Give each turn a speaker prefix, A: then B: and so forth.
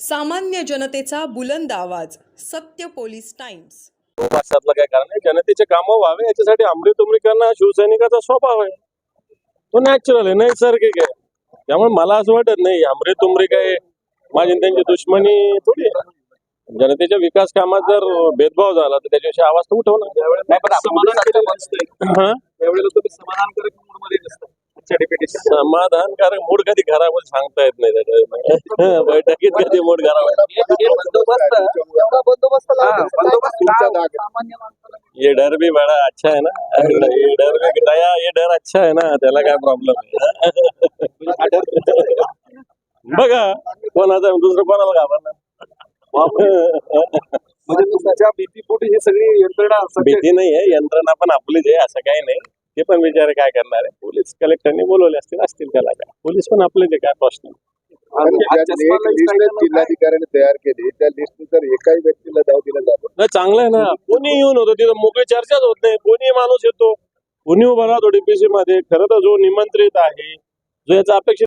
A: सामान्य जनतेचा बुलंद आवाज. सत्य पोलीस टाइम्स.
B: भाषातलं काय कारण आहे, जनतेचे कामं व्हावे याच्यासाठी आमरी करणं शिवसैनिकाचा स्वभाव आहे. तो नॅचरल आहे, नैसर्गिक आहे. त्यामुळे मला असं वाटत नाही आमरी काय माझी आणि त्यांची दुश्मनी थोडी आहे. जनतेच्या विकास कामात जर भेदभाव झाला तर त्याच्याविषयी आवाज तर उठवणार. समाधानकारक मूड कधी खराब होईल सांगता येत नाही त्याच्या बैठकीत कधी मूड खराब ये डर भी बड़ा अच्छा है ना, ये डर भी दया, ये डर अच्छा है ना, त्याला काय प्रॉब्लेम आहे. बघा कोणाचा दुसरं कोणाला घाबरणार.
C: म्हणजे तुमच्या भीतीपोटी ही सगळी यंत्रणा
B: भीती नाही आहे, यंत्रणा पण आपलीच आहे, असं काही नाही. ते पण विचार काय करणार आहे, पोलीस कलेक्टरने बोलवले असतील त्याला काय, पोलीस पण आपलेच आहे, काय प्रश्न.
C: जिल्हाधिकाऱ्यांनी तयार केली त्या लिस्टनुसार एकाही व्यक्तीला जाऊ दिला जातो.
B: नाही चांगलं आहे ना, कोणी येऊन होतं तिथं मोकळी चर्चाच होत नाही. कोणी माणूस येतो, कोणी उभा राहतो डीपीसी मध्ये. खरं तर जो निमंत्रित आहे, जो याचा अपेक्षित